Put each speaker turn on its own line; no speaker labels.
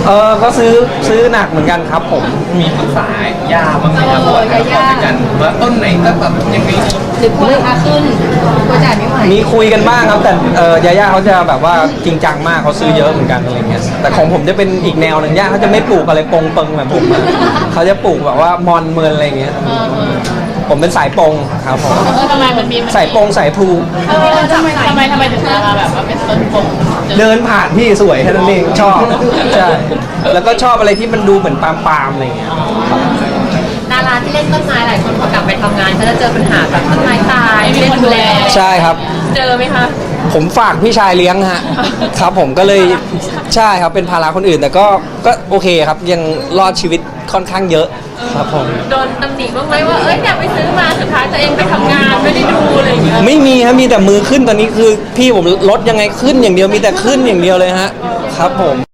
ก็ซื้อหนักเหมือนกันครับผม
มีปรึกษาย่าบ้างไหมครับว่าจะขอด้วยกันว่าต้นไหนก็แบบยังไง
หรือกลัวราคาขึ้นกลัวจ่ายไม่ไหว
มีคุยกันบ้างครับแต่ยาย่าเขาจะแบบว่าจริงจังมากเขาซื้อเยอะเหมือนกันอะไรเงี้ยแต่ของผมจะเป็นอีกแนวหนึ่งย่าเขาจะไม่ปลูกอะไรปงเปิงแบบผมเขาจะปลูกแบบว่ามอนเมินอะไรเงี้ยผมเป็นสายปงครับผม
ทำไมมันมี
สายปงสายพลู
ทำไมถึงมาแบบว่าเป็นต้นปง
เดินผ่านพี่สวยแค่นั้นเองชอบใช่แล้วก็ชอบอะไรที่มันดูเหมือนปาล์มอะไรเงี้ย
ดาราที่เล่นต้นไม้หลายคนพอกลับไปทำงานเขาจะเจอปัญหาแบบต้นไม้ตายไม่มีคนดูแล
ใช่ครับ
เจอไหมคะ
ผมฝากพี่ชายเลี้ยงฮะครับผมก็เลยใช่ครับเป็นภาระคนอื่นแต่ก็โอเคครับยังรอดชีวิตค่อนข้างเยอะครับผม
โดนตำหนิบ้างไหมว่าอยากไปซื้อมาสุดท้ายตัวเองไปทำงานไม่ได้ดูอะไรอย่างเงี้ย
ไม่มีครับมีแต่มือขึ้นตอนนี้คือพี่ผมลดยังไงขึ้นอย่างเดียวมีแต่ขึ้นอย่างเดียวเลยฮะครับผม